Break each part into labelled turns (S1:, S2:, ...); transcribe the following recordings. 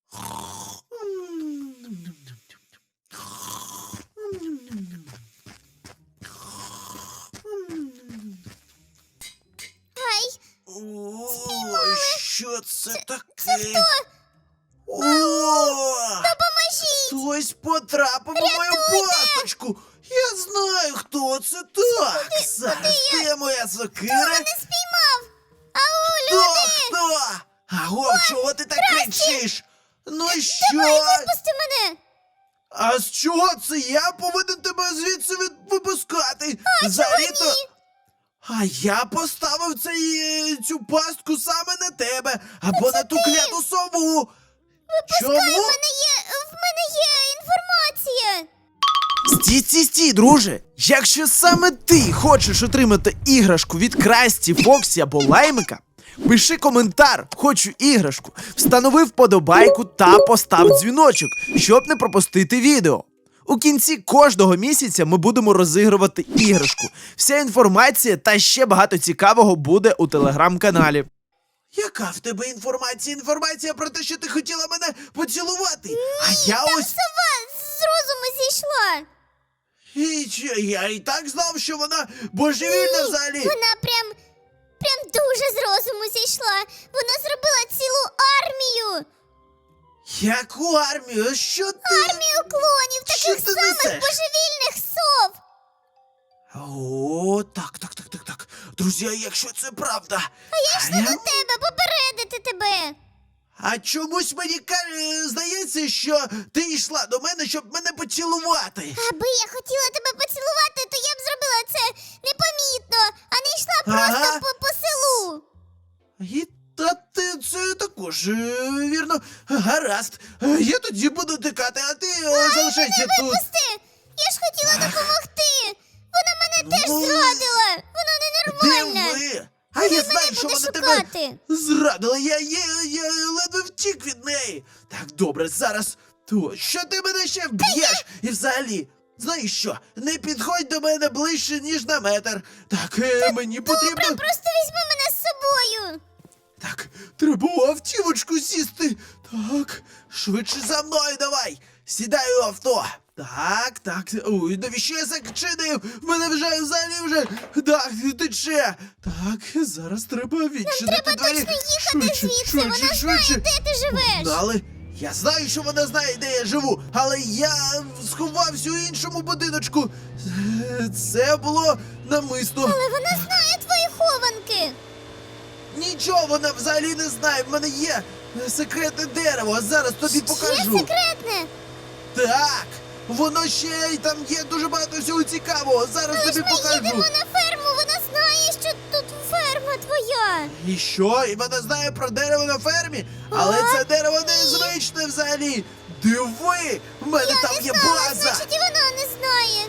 S1: Ай,
S2: О, що це таке?
S1: це хто?
S2: О!
S1: Допоможіть!
S2: Хтось потрапив у мою пасточку. Я знаю, хто це. Так, зараз де моя сокира?
S1: Не спіймав! Ау,
S2: Хто?
S1: люди!
S2: Хто? Аго, чого ти так кричиш? Ну що?
S1: Випусти мене!
S2: А з чого це я повинен тебе звідси випускати? Взагалі-то...
S1: ні?
S2: А я поставив цю пастку саме на тебе, або на ту кляту сову. Чому?
S1: В мене є інформація!
S2: Стій, друже! Якщо саме ти хочеш отримати іграшку від Красті, Фоксі або Лаймика, пиши коментар «Хочу іграшку», встанови вподобайку та постав дзвіночок, щоб не пропустити відео. У кінці кожного місяця ми будемо розігрувати іграшку. Вся інформація та ще багато цікавого буде у телеграм-каналі. Яка в тебе інформація? Інформація про те, що ти хотіла мене поцілувати. А я ось...
S1: Сова з розуму зійшла!
S2: Я і так знав, що вона божевільна взагалі.
S1: Вона прям дуже з розуму зійшла! Вона зробила цілу армію!
S2: Яку армію? Що ти?
S1: Армію клонів,
S2: Що
S1: таких
S2: ти
S1: самих
S2: несеш?
S1: божевільних сов!
S2: О, так. Друзі, а якщо це правда?
S1: Я йшла до тебе попередити тебе!
S2: А чомусь мені здається, що ти йшла до мене, щоб мене поцілувати.
S1: Аби я хотіла тебе поцілувати, то я б зробила це непомітно, а не йшла просто
S2: Ага.
S1: по селу.
S2: І це також, вірно. Гаразд. Я тоді буду тикати, а ти залишайся тут.
S1: Пусти! Я ж хотіла допомогти! Вона мене теж
S2: Ну,
S1: зрадила! Вона
S2: Де
S1: ненормальна!
S2: ви? А я знаю, що
S1: буде
S2: вона тебе
S1: шукати.
S2: зрадила. Я ледве втік від неї. Так, добре, зараз. То, що ти мене ще вб'єш? І взагалі, знаєш що? Не підходь до мене ближче, ніж на метр. Так, мені потрібно...
S1: Добре, просто візьми мене з собою!
S2: Так, треба у автівочку сісти. Так, швидше за мною давай. Сідай у авто. Так. Ой, навіщо я зачинив? В мене вже взагалі Так, тече. Так, зараз треба відчинити
S1: Треба
S2: двері.
S1: точно їхати звідси, вона знає, де ти живеш!
S2: Але я знаю, що вона знає, де я живу, але я сховався у іншому будиночку. Це було намисно.
S1: Але вона знає твої хованки!
S2: Нічого вона взагалі не знає. В мене є секретне дерево, а зараз тобі
S1: Є
S2: покажу.
S1: секретне!
S2: Так, воно ще й там є дуже багато всього цікавого. Зараз тобі
S1: Ми
S2: покажу.
S1: їдемо на ферму, вона знає, що тут ферма твоя!
S2: І що? І вона знає про дерево на фермі? Але це дерево незвичне взагалі. Диви, в мене там є база.
S1: Значить, і вона не знає!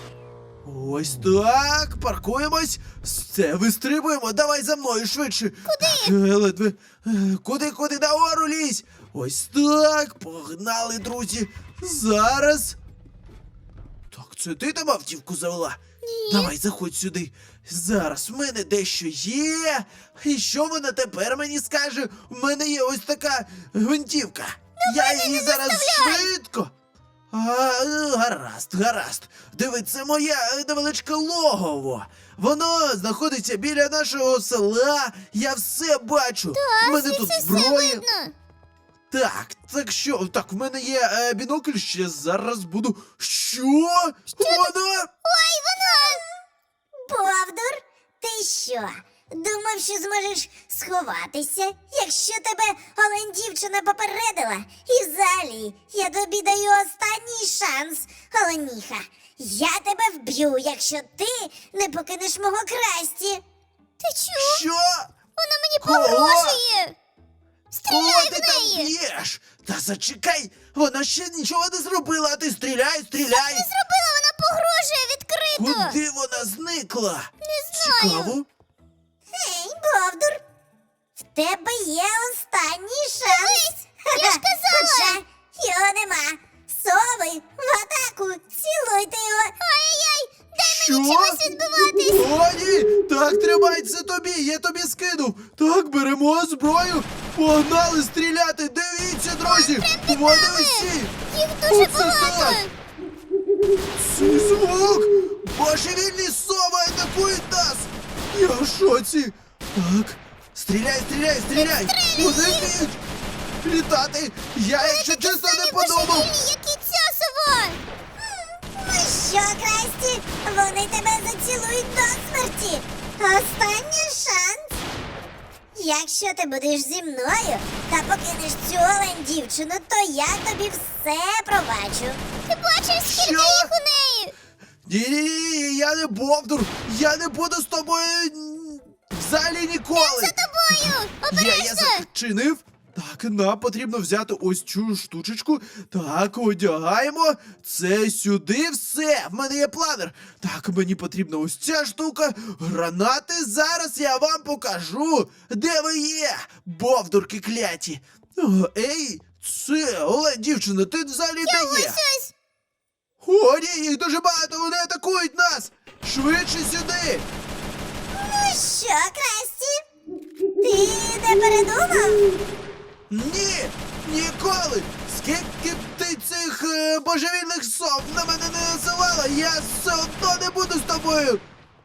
S2: Ось так, паркуємось. Все, вистрибуємо. Давай за мною швидше. Куди? Ледве. Куди? Нагору лізь. Ось так, погнали, друзі. Зараз. Так, це ти там автівку завела?
S1: Ні.
S2: Давай, заходь сюди. Зараз в мене дещо є. І що вона тепер мені скаже? У мене є ось така гвинтівка. Я її зараз швидко. Гаразд. Диви, це моє невеличке логово. Воно знаходиться біля нашого села. Я все бачу. У мене тут
S1: Звідси все
S2: зброя.
S1: видно!
S2: Так що? Так, в мене є бінокль, ще зараз буду. Що? Вона?
S1: Ой, вона!
S3: Бовдур, ти що? Думав, що зможеш сховатися, якщо тебе олень дівчина попередила? І взагалі, я тобі даю останній шанс, оленіха. Я тебе вб'ю, якщо ти не покинеш мого Красті.
S1: Ти чув?
S2: Що?
S1: Вона мені
S2: Кого?
S1: погрожує!
S2: Кого
S1: Стріляй
S2: ти
S1: в
S2: там
S1: неї!
S2: б'єш? Та зачекай, вона ще нічого не зробила, а ти стріляй!
S1: Не зробила, вона погрожує відкрито!
S2: Куди вона зникла?
S1: Не знаю.
S2: Цікаво.
S3: Ей, Бовдур, в тебе є останній шанс.
S1: я ж казала!
S3: Хоча його нема. Сови, в атаку, цілуйте його.
S1: Ай-яй-яй! Дай
S2: Що?
S1: мені чимось відбиватись!
S2: О, ні! Так, тримай це тобі, я тобі скинув. Так, беремо зброю. Погнали стріляти. Дивіться, друзі. друзі! Вони усі!
S1: Їх дуже
S2: Оце
S1: багато!
S2: так! Цей звук! Божевільні сови атакують нас! Я в шоці! Так, стріляй, стріляй, стріляй! Вони вміють літати! Я, якщо чесно, не подумав!
S1: Божевільні, як і ця сова!
S3: Ну що, Красті, вони тебе зацілують до смерті. Останній шанс. Якщо ти будеш зі мною та покинеш цю олень дівчину, то я тобі все пробачу.
S1: Ти бачиш, скільки
S2: Що?
S1: їх у неї?
S2: Ні, я не Бовдур! Я не буду з тобою взагалі ніколи!
S1: За тобою!
S2: Я
S1: Обережно!
S2: зачинив. Так, нам потрібно взяти ось цю штучечку. Так, одягаємо. Це сюди все. В мене є планер. Так, мені потрібна ось ця штука. Гранати. Зараз я вам покажу, де ви є, бовдурки кляті. О, ей, це, Оле, дівчина, ти взагалі де
S1: Ось
S2: є?
S1: ось!
S2: О, ні, їх дуже багато, вони атакують нас. Швидше сюди.
S3: Ну що, Красті? Ти не передумав?
S2: Ні, ніколи! Скільки б ти цих божевільних сов на мене не насилала, я все одно не буду з тобою!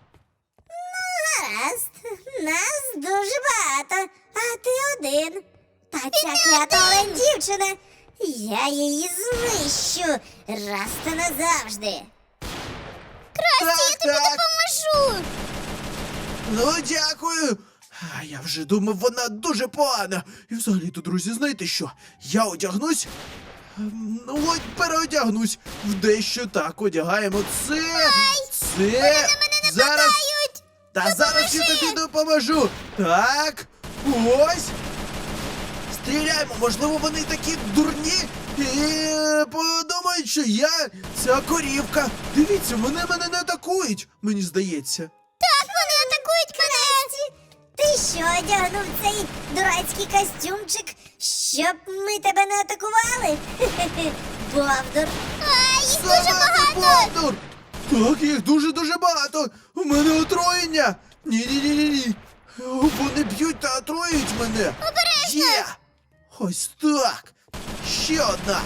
S3: Гаразд, нас дуже багато, а ти один. Та ця клята олень дівчина, я її знищу раз та назавжди.
S1: Красті, я тобі
S2: так.
S1: допоможу!
S2: Ну, дякую! А я вже думав, вона дуже погана. І взагалі-то, друзі, знаєте що? Я одягнусь. Ну, от переодягнусь. В дещо так одягаємо це. Це. Зараз.
S1: Дають!
S2: Та зараз я тобі допоможу. Так. Ось. Стріляємо, можливо, вони такі дурні і подумають, що я ця корівка. Дивіться, вони мене не атакують, мені здається.
S1: Так, вони атакують мене!
S3: Ти що одягнув цей дурацький костюмчик, щоб ми тебе не атакували? Хе-хе-хе, Бовдур.
S1: А, їх дуже
S2: Забрати
S1: багато!
S2: Бовдур! Так, їх дуже-дуже багато! У мене отруєння! Ні-ні-ні-ні! Вони б'ють та отруюють мене!
S1: Обережно!
S2: Є! Ось так! Ще одна!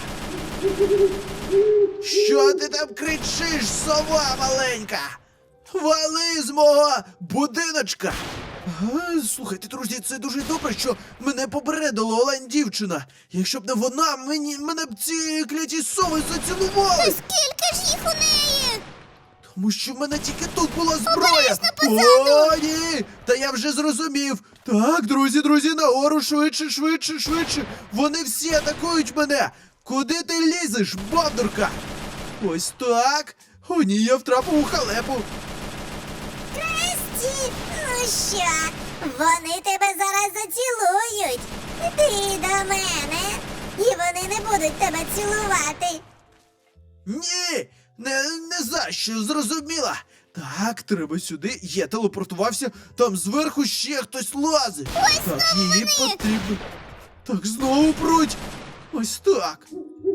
S2: Що ти там кричиш, сова маленька? Вали з мого будиночка! Слухайте, друзі, це дуже добре, що мене попередила олень дівчина. Якщо б не вона, мене б ці кляті сови зацілували.
S1: Скільки ж їх у неї?
S2: Тому що в мене тільки тут була зброя.
S1: Обережно позаду!
S2: О, ні! Та я вже зрозумів. Так, друзі, нагору, швидше. Вони всі атакують мене. Куди ти лізеш, бовдурка? Ось так. О, ні, я втрапив у халепу.
S3: Красті, ну що, вони тебе зараз зацілують. Ти до мене, і вони не будуть тебе цілувати.
S2: Ні, не за що, зрозуміла. Так, треба сюди. Я телепортувався, там зверху ще хтось лазить. Так, її потрібно. Так, знову пруть. Ось так.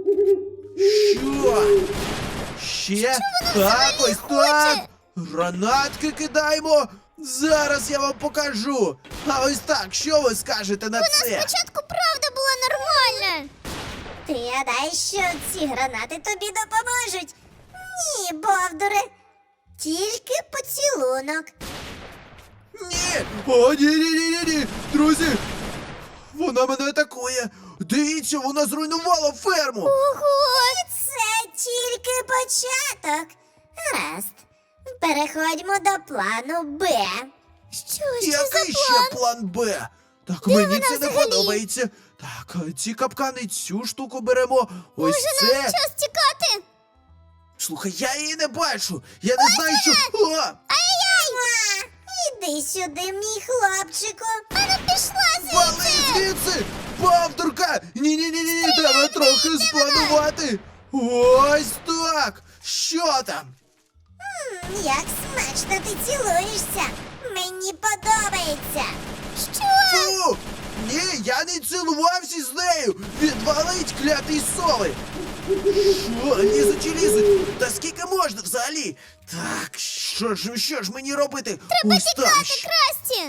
S2: Що? Ще? Так, ось так. Гранатки кидаємо. Зараз я вам покажу. А ось так, що ви скажете на це?
S1: Спочатку правда була нормальна!
S3: Ти гадаєш, що ці гранати тобі допоможуть? Ні, Бовдуре, тільки поцілунок.
S2: Ні! О, ні! Друзі! Вона мене атакує! Дивіться, вона зруйнувала ферму!
S1: Ого!
S3: Це тільки початок. Гаразд, переходьмо до плану Б.
S1: Що за
S2: Який ще
S1: план?
S2: план Б? Так, мені
S1: вона
S2: це не
S1: взагалі?
S2: подобається. Так, ці капкани, цю штуку беремо. Ось
S1: Може,
S2: це.
S1: нам час тікати?
S2: Слухай, я її не бачу. Я не знаю, що. О!
S1: Ай-яй!
S3: Іди сюди, мій хлопчику.
S1: Вона пішла
S2: Вали
S1: звідси!
S2: звідси! Бовдурка! Ні, треба трохи спланувати. Ось так! Що там?
S3: Як смачно ти цілуєшся. Мені подобається.
S1: Що?
S2: Фу! Ні, я не цілувався з нею! Відвалить клятий сови! Що, лізуть? Та скільки можна взагалі? Так, що ж мені робити?
S1: Треба
S2: Ось
S1: тікати,
S2: там.
S1: Красті!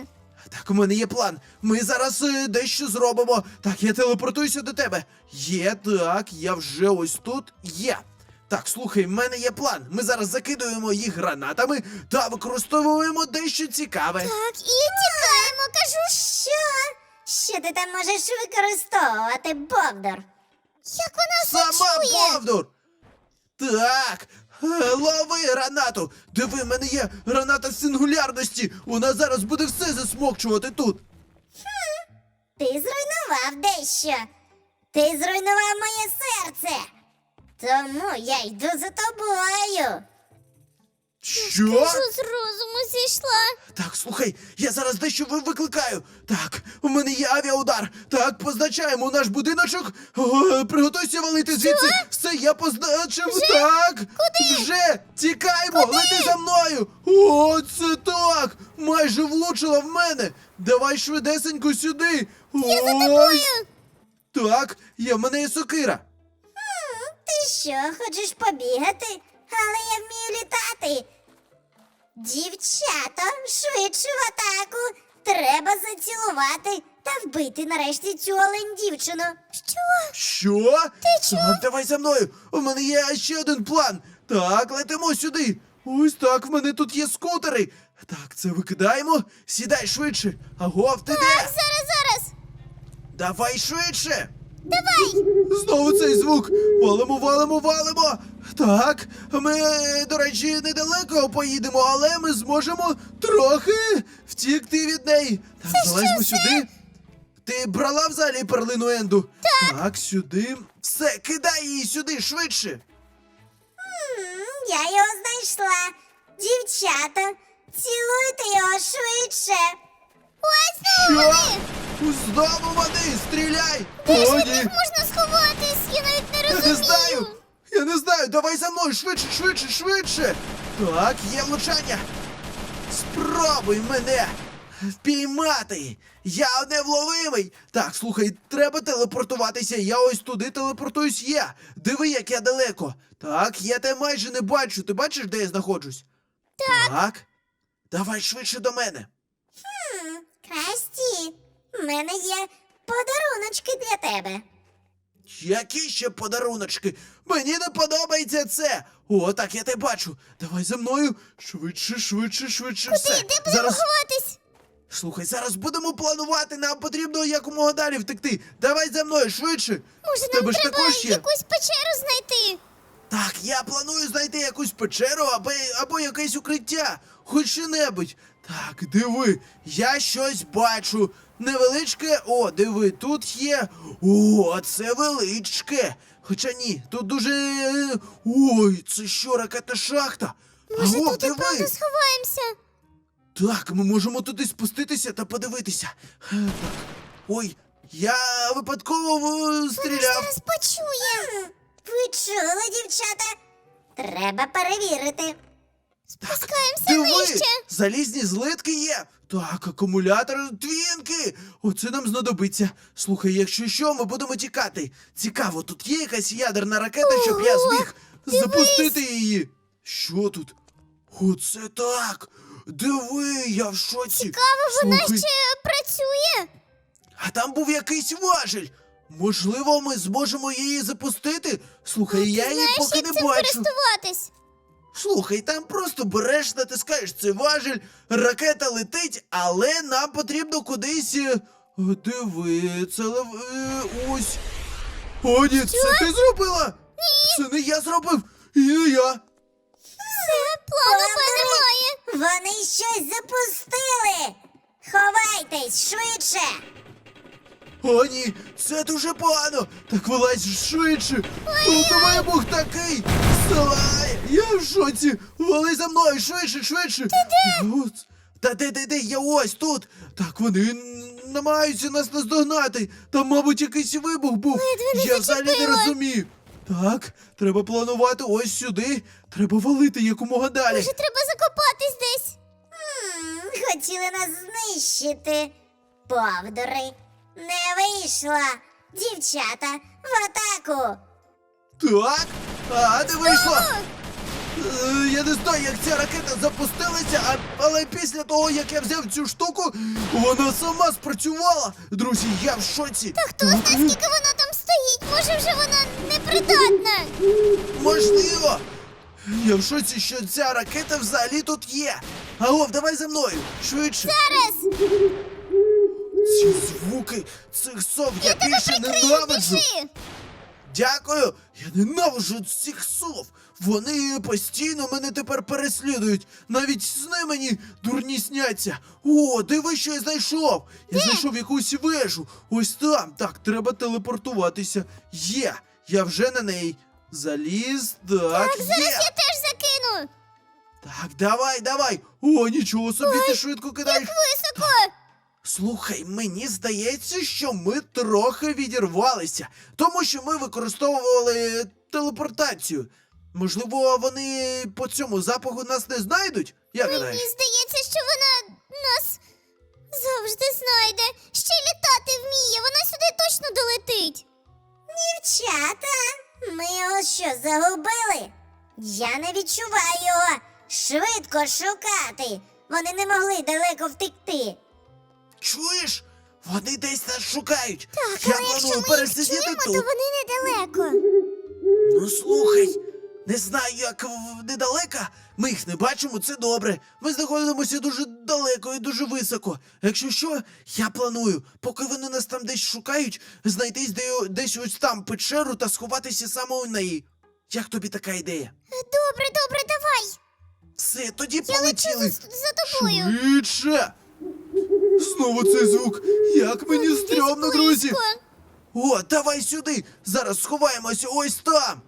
S2: Так, у мене є план. Ми зараз дещо зробимо. Так, я телепортуюся до тебе. Є, так, я вже ось тут є. Так, слухай, в мене є план. Ми зараз закидуємо їх гранатами та використовуємо дещо цікаве.
S1: Так, і тікаємо, кажу.
S3: Що ти там можеш використовувати, Бовдур?
S1: Як вона все
S2: Сама
S1: чує?
S2: Бовдур! Так, лови гранату! Диви, в мене є граната сингулярності! Вона зараз буде все засмокчувати тут!
S3: Ти зруйнував дещо. Ти зруйнував моє серце. Тому я йду за тобою.
S2: Що?
S1: Кажу, з розуму зійшла.
S2: Так, слухай, я зараз дещо викликаю. Так, у мене є авіаудар. Так, позначаємо наш будиночок. Приготуйся валити звідси. Все, я позначив. Так. Куди? Вже тікаємо. Лети за мною. О, це так. Майже влучила в мене. Давай швидесенько сюди.
S1: Я за тобою.
S2: Так, в мене є сокира.
S3: Ти що, хочеш побігати? Але я вмію літати. Дівчата, швидше в атаку. Треба зацілувати та вбити нарешті цю олень дівчину.
S2: Що?
S1: Ти чого?
S2: Так, давай за мною. У мене є ще один план. Так, летимо сюди. Ось так, в мене тут є скутери. Так, це викидаємо. Сідай швидше. Агов, ти де?
S1: Зараз.
S2: Давай швидше.
S1: Давай.
S2: Знову цей звук. Валимо. Так, ми, до речі, недалеко поїдемо, але ми зможемо трохи втікти від неї. Так, залазьмо сюди. Ти брала взагалі перлину Енду? Так, сюди. Все, кидай її сюди, швидше.
S3: Я його знайшла. Дівчата, цілуйте його швидше.
S1: Ось
S2: Що?
S1: знову вони.
S2: Знову води, стріляй!
S1: Де ж
S2: О,
S1: від
S2: ні.
S1: них можна сховатись? Я навіть не
S2: Я
S1: розумію.
S2: не знаю! Я не знаю! Давай за мною! Швидше! Так, є влучання! Спробуй мене впіймати! Я невловимий! Так, слухай, треба телепортуватися. Я ось туди телепортуюсь я. Диви, як я далеко. Так, я тебе майже не бачу. Ти бачиш, де я знаходжусь? Так. Давай швидше до мене.
S3: Красті, в мене є подаруночки для тебе.
S2: Які ще подаруночки? Мені не подобається це. О, так, я тебе бачу. Давай за мною. Швидше. Все.
S1: Де будемо ховатись?
S2: Слухай, зараз будемо планувати. Нам потрібно якомога далі втекти. Давай за мною, швидше.
S1: Може,
S2: В тебе
S1: нам
S2: ж
S1: треба
S2: також є?
S1: якусь печеру знайти?
S2: Так, я планую знайти якусь печеру або якесь укриття. Хоч що-небудь. Так, диви, я щось бачу. Невеличке. О, диви, тут є. О, це величке. Хоча ні, тут дуже. Ой, це що, ракетна шахта?
S1: Може,
S2: Аго,
S1: тут і правда сховаємося?
S2: Так, ми можемо туди спуститися та подивитися. Так. Ой, я випадково стріляв.
S3: Зараз почує. Ви чули, дівчата? Треба перевірити.
S1: Спускаємося
S2: Диви,
S1: нижче.
S2: залізні злитки є. Так, акумулятор твінки. Оце нам знадобиться. Слухай, якщо що, ми будемо тікати. Цікаво, тут є якась ядерна ракета, щоб я
S1: Ого,
S2: зміг запустити її. Що тут? Оце так. Диви, я в шоці.
S1: Цікаво, вона
S2: Слухай,
S1: ще працює?
S2: а там був якийсь важіль. Можливо, ми зможемо її запустити? Слухай, я її
S1: Знаєш,
S2: поки
S1: як
S2: не
S1: цим
S2: бачу.
S1: користуватись?
S2: Слухай, там просто береш, натискаєш цей важіль, ракета летить, але нам потрібно кудись. Диви, це ось. О, ні, це ти зробила? Ні. Це не я зробив. І не я.
S1: Все, плану Б немає.
S3: Вони щось запустили. Ховайтесь швидше.
S2: О, ні, це дуже погано. Так вилазь швидше. Тут вибух такий. Вставай, я в шоці. Вали за мною, швидше. Ти де? Та де, я ось тут. Так, вони намагаються нас наздогнати. Там, мабуть, якийсь вибух був.
S1: Ледве не
S2: Я взагалі не
S1: зачепила.
S2: розумію. Так, треба планувати ось сюди. Треба валити якомога далі.
S1: Може, треба закопатись десь?
S3: Хотіли нас знищити. Повдори. Не вийшла. Дівчата, в атаку.
S2: Так, не вийшло. Я не знаю, як ця ракета запустилася, але після того, як я взяв цю штуку, вона сама спрацювала. Друзі, я в шоці.
S1: Хто знає, скільки вона там стоїть? Може вже вона непридатна?
S2: Можливо. Я в шоці, що ця ракета взагалі тут є. Агов, давай за мною, швидше.
S1: Зараз!
S2: Ці звуки цих сов я більше ненавиджу.
S1: Біжи!
S2: Дякую! Я ненавиджу цих сов! Вони постійно мене тепер переслідують! Навіть сни мені дурні сняться! О, диви, що я знайшов! Я знайшов якусь вежу! Ось там! Так, треба телепортуватися! Є! Я вже на неї! Заліз, так,
S1: Зараз
S2: є!
S1: я теж закину!
S2: Так, давай! О, нічого собі, ти швидко кидаєш!
S1: Високо!
S2: Слухай, мені здається, що ми трохи відірвалися, тому що ми використовували телепортацію. Можливо, вони по цьому запаху нас не знайдуть? Як гадаєш?
S1: Мені здається, що вона нас завжди знайде. Ще й літати вміє, вона сюди точно долетить.
S3: Дівчата, ми його що, загубили? Я не відчуваю його. Швидко шукати. Вони не могли далеко втекти.
S2: Чуєш? Вони десь нас шукають.
S1: Так,
S2: Я
S1: але якщо
S2: планую
S1: ми їх
S2: пересидіти
S1: чуємо,
S2: тут.
S1: то вони недалеко.
S2: Ну слухай, не знаю, як недалеко. Ми їх не бачимо, це добре. Ми знаходимося дуже далеко і дуже високо. Якщо що, я планую, поки вони нас там десь шукають, знайти десь ось там печеру та сховатися саме у неї. Як тобі така ідея?
S1: Добре, давай.
S2: Все, тоді
S1: Я
S2: полетіли.
S1: лечу за тобою.
S2: Швидше! Знову цей звук. Як мені
S1: Десь
S2: стрьомно, друзі.
S1: близько.
S2: О, давай сюди. Зараз сховаємося ось там.